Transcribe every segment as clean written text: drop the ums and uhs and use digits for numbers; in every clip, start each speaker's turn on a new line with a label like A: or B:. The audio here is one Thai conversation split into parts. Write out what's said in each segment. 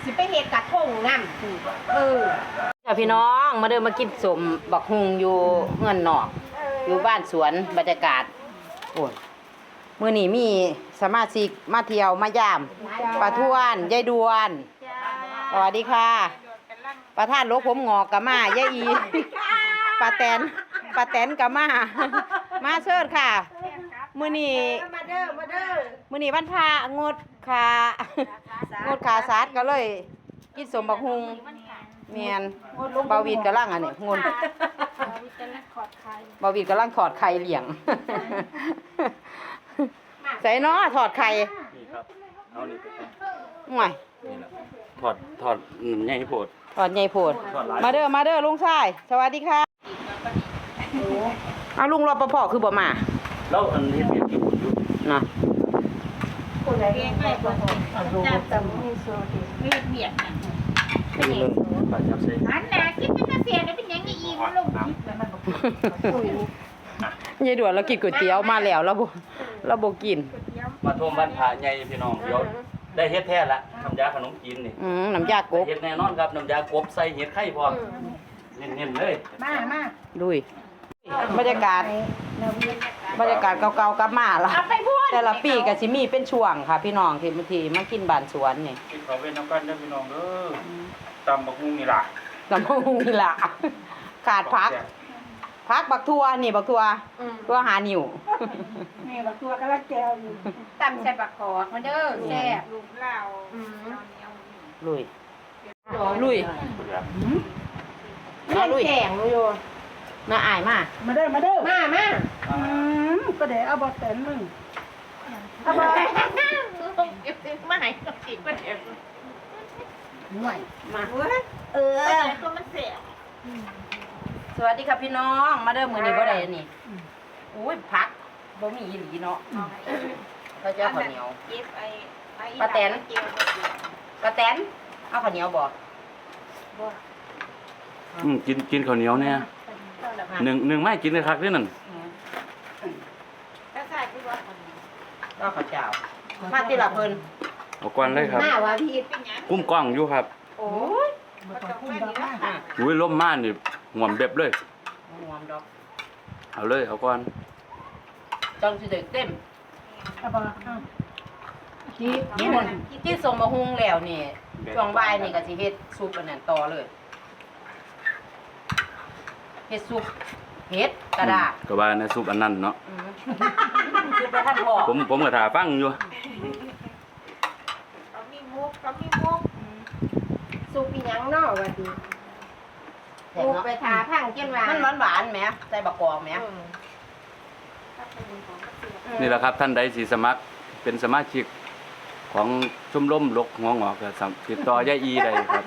A: สิไปเฮ็ดกระทงน้ำ
B: พี่น้องมาเดินมากินสมบักฮุงอยู่เงินนอกอยู่บ้านสวนบรรยากาศโอ้ยมื้อนี้มีสมาชิกมาเที่ยวมายามป้าทวนยายดวนสวัสดีค่ะประธานโลกผมงอกกะมายายอีป้าแตนกะมาเชิญค่ะมื้อนี้มื้อนี้วันพระงดขาสัตว์ก็เลยกินสมบักฮุงเมียนบาวีดกำลังอันนี้งนบาวีดกำลังถอดไข่เหลี่ยงใส่เนาะถอดไข่
C: นี่ครับเอานี่ไป
B: ห่วย
C: นี่แหละถอดใหญ่โพด
B: ถอดใหญ่โพดมาเด้อลุงชายสวัสดีค่ะเอาลุงรปภคือบ่มา
C: แล้วอันนี้เปลี่ยนกี่บุญอยู่
B: นะ
A: คนใดเองไม่บ่จับตำให้โซดิไม่เบียดนะ
C: เป็นเรื่องการจับเส้น
A: อันน่ะคิดเป็นเสียได้เป็นยังไงอีกลงคิดแล้วมันบ่
B: ยายด่วนเรากินก๋วยเตี๋ยวมาแล้วเราบ่กิน
C: มาท่วมบ้านผาใหญ่พี่น้องเดี๋ยวได้เฮ็ดแท้ละน้ำยาขนมจีนนี่
B: น้ำยากบ
C: เฮ็ดแน่นอนครับน้ำยากบใส่เห็ดไข่พร้อมเน้นๆเลย
A: มา
B: ดุยบรรยากาศเก่าๆกลับมาละแต่ละปีก็สิมีเป็นช่วงค่ะพี่น้องที่บางทีมากินบ้านสวนนี่
C: กินข้าวเว้นน้ำกันเด้อพี่น้องเด้อตำบักหุ่งนี่ล่ะ
B: ขาดพักบักทั่วนี่บักทั่วหานิ่ว
A: นี่บักทั่วกำลังแก้วอยู่ตำใส่บักกอกมาเด้อแซ่บลูกเหล้า
B: ลุย
A: แข็งอยู่
B: น่าอายมาก
A: มาเด้อก็เดี๋ยวเอาบอเต็นมึงเอาบอมาให้กับจิกมาเดี๋ยวห่วยมาก็มันเสีย
B: สวัสดีครับพี่น้องมาเด้อมื้อนี้บ่ได้อันนี้อุ้ยผักบ่มีอีหลีเนาะเขาจะข้าวเหนียวป้าแตนเอาข้าวเหนียวบ่
C: กินข้าวเหนียวเนี่ยหนึ่งไม่กินเลยครับนี่นั่น
B: ก็ข้าวเจ้ามาที่ละเพิ่น
C: เอาก่อนเลยครับกุ้มกล้องอยู่ครับ
B: โอ้ย
C: อุ้ยล่มม่านนี่หวมเบ็บเลย
B: หวมดอก
C: เอาเลยเอาก่อน
B: จังสิได้เต็มที่ส่งมาหุงแล้วนี่ช่วงบ่ายนี่ก็สิเฮ็ดซุปอันนั้นต่อเลยเฮ็ดซุปเฮ็ดกระดาษ
C: ก็ว่าในซุปอันนั้นเนาะ
B: ซุปประท่านพ่อ
C: ผมก็ท่าฟังอยู่
A: เขามีมุกซุปอีหยังเนาะว่าดีมุกไปทาพังเกี้ยน
B: มันหวานแหมใส่บักกอกแหม
C: นี่แหละครับท่านใดสิสมัครเป็นสมาชิกของชมรมลกหัวงอกก็ติดต่อยายอีได้ครับ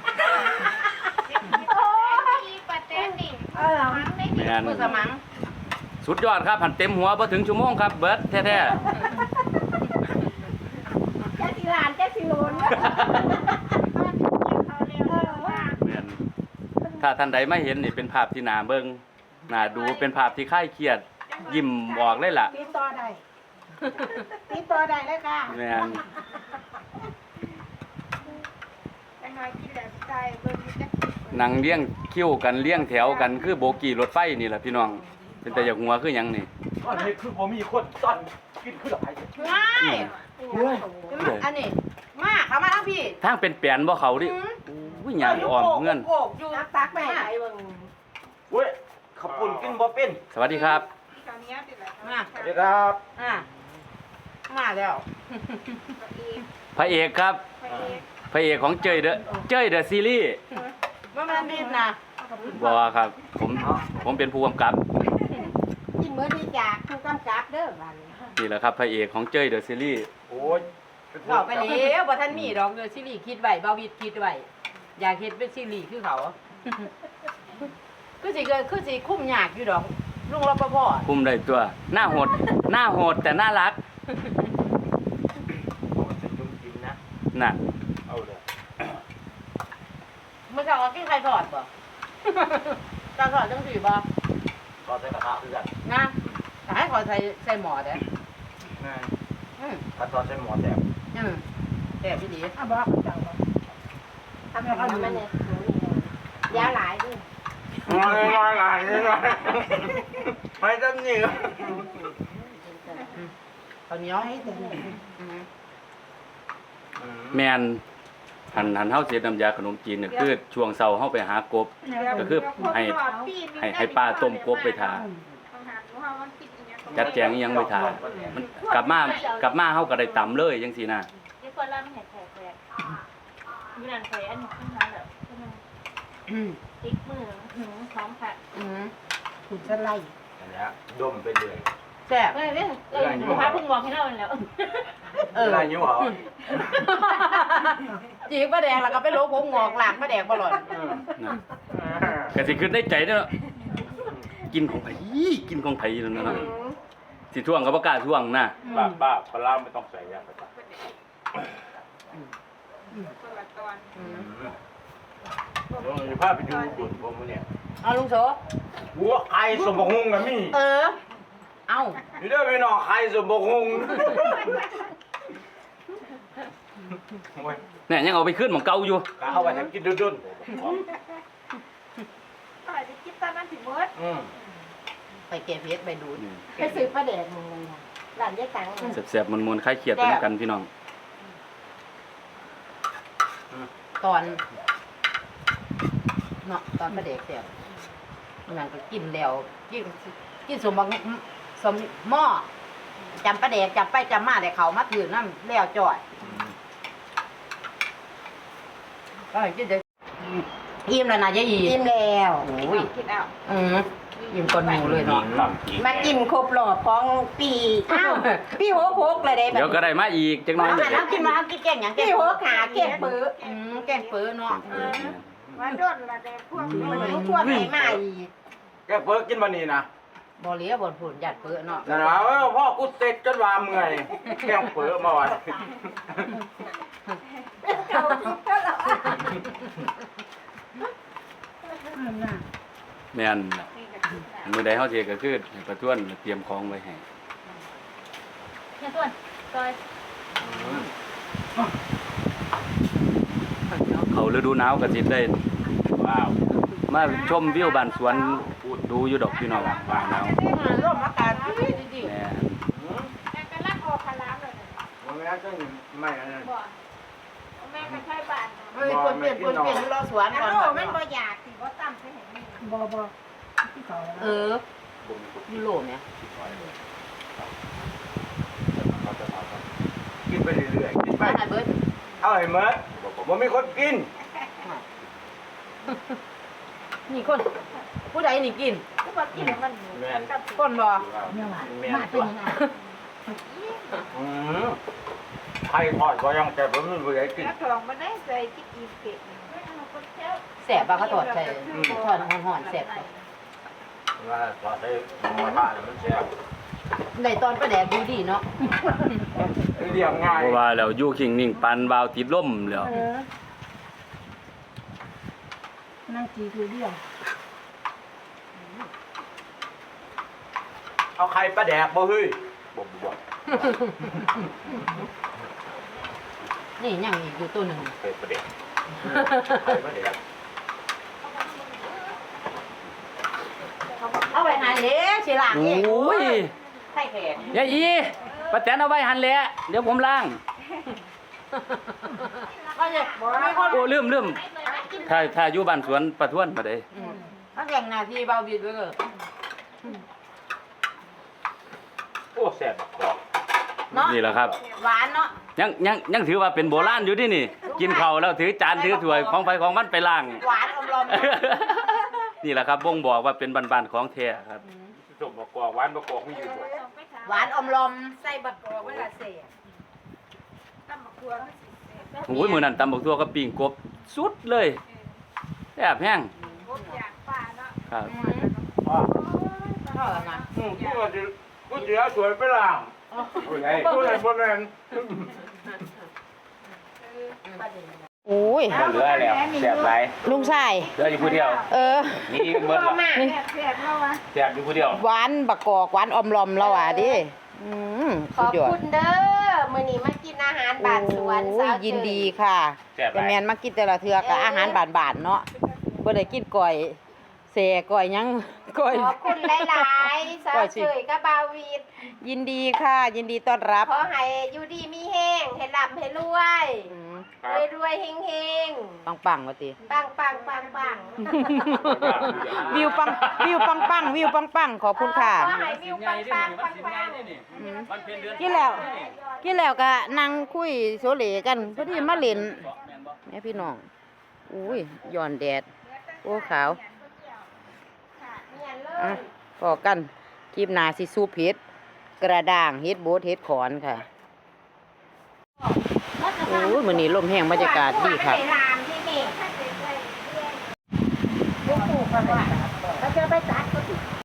C: แม่นสุดยอดครับหันเต็มหัวพอถึงชั่วโมงครับเบิร์ดแท้
A: แจ๊สิลานแจ๊สิโลน
C: ถ้าท่านใดไม่เห็นนี่เป็นภาพที่น่าเบิ่งน่าดูเป็นภาพที่คลายเครียดยิ้มบอกเลยล่ะ
A: ติดต่อได้เลยค่ะ
C: แม่นนั่งเลี้ยงคิ้วกันเลี้ยงแถวกันคือโบกี้รถไฟนี่แหละพี่น้องเป็นแต่อยากหัวคือหยังนี่
D: อันนี้คือผมมีคนซ่อนกินคือหลาย
B: ง่ายอันนี้มาเข้ามาทั้งพี่
C: ทางเป็นแปลนบ่เขาดิอุ้ยหยังอ่อมเงิน
A: อยู่ตักแม่ไหนเบิ่ง
D: เว้ยขับปุ่นกินบ่เป็น
C: สวัสดีครับ
B: มา
D: สวัสดีครับ
B: มาแล้ว
C: พระเอกครับพระเอกของเจ้ยเดอะซีรีส์
B: ว่ามันดีนะ
C: บ่ครับผมเป็นผู้กำกับ
A: กินมื้อที่จากผู้กำกับเด้อบัด
C: นี่แหละครับพระเอกของเจ้ยเดอะซีรีส์
D: โอ้ย
B: เราไปแล้วบ่ทันมีดอกเดอะซีรีส์คิดไว้บ่วิดคิดไว้อยากเฮ็ดเป็นซีรีส์คือเขาคือสิคุ้มยากอยู่ดอกลุงรปภ
C: คุ้มได้ตัวหน้าโหดแต่น่ารักน่ะ
D: เอาเลย
B: เมื่อเช้ากินไข่ทอดบ่ตาทอดจังสิบ่
D: ทอดใส่กระทะคือกัน
B: นะให้ขอใส่หม้อเด้
D: ถ้าทอดใส่หม้อแซ่บ
B: แซ่บพี่ดี
A: บอกจังบ่ทำมันเนี่ยยาหลายด้วย
D: น้อยไม่ต้องหนี
B: ข้าวเหนียวให้เต็ม
C: แม่นหันเฮาเสียน้ำยาขนมจีนเนี่ยคือช่วงเช้าเฮาไปหากบก็คือให้ป้าต้มกบไปทาจัดแจงอิหยังไปทามันกลับมาเฮาก็ได้ตำเลยจังซี่นะ
A: ที่คนละมันเห็นแผลมีนั่นไปอันนี้ขึ้นมาแบบติ๊กมือหนูท้องค่ะ
B: คุณจะไล่
D: อันนี้ดมไปเลย
B: แซ่บ
A: เว้ยหนูพาเพิ่งมองให้เราแล้ว
D: อะไรนิ้วเหรอ
B: จีบป้าแดงแล้วก็ไปโลกผมงอกหลากป้าแดงบ่หล่อน
C: นะก็สิขึ้นในใจเด้อกินของไผนั่นน่ะสิท่วงก็บ่กล้าท่วงนะ
D: ป้าปลาไม่ต้องใส่ยาประจำอยู่ภาพไปดูบุญผมเนี่ย
B: เอาลุงโส
D: หัวไข่สมบูรณ์กับมี่
B: เอา
D: อยู่ด้วยไปนอนไข่สมบูรณ์
C: เนี่ยยังเอาไปขึ้นหม่องเก่าอยู่
D: เอาไปทำกินดุน
A: ต่อยจะคิดตอนนั้นถึงมด
B: ไปเก็บเพชรไปดูด
A: ไปซื้อปลาแดกมึงเลยค่ะหลานยายตัง
C: แซ่บๆมวนๆคลายเครียดไปด้วยกันพี่น้อง
B: ตอนเนาะตอนป้าแดงแซ่บมันก็กินแล้วกินสมบังสมหม้อจำป้าแดงจำไปจำมาแต่เขามาถือน้ำแล้วจ่อยก็กินได้อิ่มแล้วนะยายอี
A: กินแล้ว
B: โอ้ย
A: คิดเอา
B: อิ่มก่อนหมูเลยเนาะ
A: มากินครบรอบของปีอ้าวพี่โฮกเลยได้แบบ
C: เดี๋ยวก็ได้มาอีกจักหน้อย
B: เอากินมากินแกงหยัง
A: พี่โฮกขาเก็บปื้อ
B: แกงเปื้อเนาะ
A: มาโดนละแดงพวกมันพวกไหนมาอีก
D: แกเพิ่งกินมานี่นะ
B: บ่เหลียบ่ผุนหยัดเปื้อเนาะ
D: นั่นว่าพ่อกูเสร็จจนว่าเมื่อยแกงเปิดมาวัน
C: แม่นน่ะมื้อใดเฮาสิก็คือให้ประท้วนเตรียมของไว้ให้
A: เนี่ยส่วนซอย
C: เขาฤดูหนาวก็สิได้
D: ว้าว
C: มาชมวิวบ้านสวนดูอยู่ดอกพี่น้องบ้านหนาว
B: ร่มอากาศดี
C: แม่น
A: แม่ก็รักออกพลามเลย
D: มันไม่ได้ก็ไม่นั่น
A: บ่แม่ก็ใช้บ้าน
B: ๆเฮ้ยคนเปลี่ยนรอสวน
A: อัน
B: ก่อน
A: โลมันบ่อยากสิบ่ตั้มใช่ไหมบ่
B: ยูโรเนี่ย
D: กินไปเรื่อยๆกินไป
B: ไปเบิร์ด
D: เอาให้เมื่อมันมีคนกิน
B: นี่คนผู้ใดนี่กิน
A: ก็บ่กินมันกับ
B: คนบ่
D: มาเป็นยังไงไข่ทอดก็ยังแต่ผมไม่รู้จะกิน
A: กระทองมันได้ใส่ที่กินเป็ด
B: แสบบ่เขาตอดใส่ทอดห่อนๆแสบ
D: ว่าทอดได้มาทานมันแซ่บ
B: ในตอนประแดกดีเนาะ
D: เรียบง่าย
C: เพราะว่าแล้วอยู่คิงนิ่งปันวาวติดลมแล้ว
A: นั่งจีคือเดียว
D: เอาไข่ปลาแดกบ่เฮ้ยบ่
B: นี่ยังอีกอยู่ตัวหนึ่ง
D: ไข่ปลาแดกไข่ปลาแดก
B: เอาไว้หันเด้สิล้าง
C: โอ
B: เอง้
C: ย
B: ไข่แขก
C: ยายอีป้าแตนเอาไว้หั่นแหละเดี๋ยวผมล้าง
B: ก็จะมีคน
C: โอ้ลืมถ้าอยู่บ้านสวนประท้วนมาได้
B: เขาแข่งหน้าที่เบาบิดไว้เกิน
D: โอ้แซ่บกรอบ
B: เนาะ
C: นี่แหละครับ
B: หวานเนาะ
C: ยังถือว่าเป็นโบราณอยู่ที่นี่ กินข้าวแล้วถือจานถือถ้วยของไฟของมันไปล้าง
B: หวานอมลม
C: นี่แหละครับบ่งบอกว่าเป็นบ้านๆของแท้ครับ
D: ส้มบกอกหวานบกอกมีอยู่บ่
B: หวานอมลม
A: ใส่บักกอกเวลาเสียตั้มบักทัว
C: โอ้ยมื้อนั้นตำบักทั่วกับปิ้งกบสุดเลยแซ่บแห้ง
A: กบอยากป่าเนาะ
C: ครับ
D: อ๋อ
B: เท่าไหร่นะ
D: กูเสียสวยไปล่างโอ้ยไอ้กูเลยบ่แม่น
B: โอ้ย
D: บ่เหลือแล้วแซ่บหลาย
B: ลุงชาย
D: เหลืออยู่ผู้เดียว นี่เบิด
A: พ่อ
D: ละ
A: แม่แซ่บๆแล้ววะ
D: แซ่บอยู่ผู้เดียว
B: หวานบักกอกหวานอมลมแล้วอ่ะดิ
A: ข
B: สุ
A: อ
B: ด
A: บ
B: ยอด
A: คุณเด้อมื้อนี้มากินอาหารบ้านสวน
B: โอ้
A: สาวย
B: ยินดีค่ะ
C: แซ่บห
B: แต่
C: ลาย
B: แม่นมากินแต่ละเทื่อก็อาหารบานๆเนาะบ่ได้กินก้อยแซ่ก้อยหยังก้อย
A: ขอบคุณหลายๆสาวเฉยกับบาวีด
B: ยินดีค่ะ ยินดีต้อนรับ
A: ขอให้อยู่ดีมีแห้งให้ร่ำให้รวย
B: อืม
A: รวยๆเฮง
B: ปังๆว่าติ
A: ๆปังปังปังปัง
B: วิวปังวิวปังวิวปังขอบคุณค่ะ
A: ขอให้วิวปังปังปังปัง
C: มันเป็นเดือน
B: กินแล้วก็นั่งคุยโซเลกันพอดีมาเล่นแม่พี่น้องอุ้ยย้อนแดดโอ้ขาว
A: เนี่ยเล
B: อ่ะ
A: ย
B: พอกันคลิปหน้าสิซุปเห็ดกระด้างเฮ็ดโบดเฮ็ดขอนค่ะโอ้ยมื้อนี้ลมแห้งบรรยากาศดีค่ะ
A: ไปรามที่นี่เขาจะไปตัดก็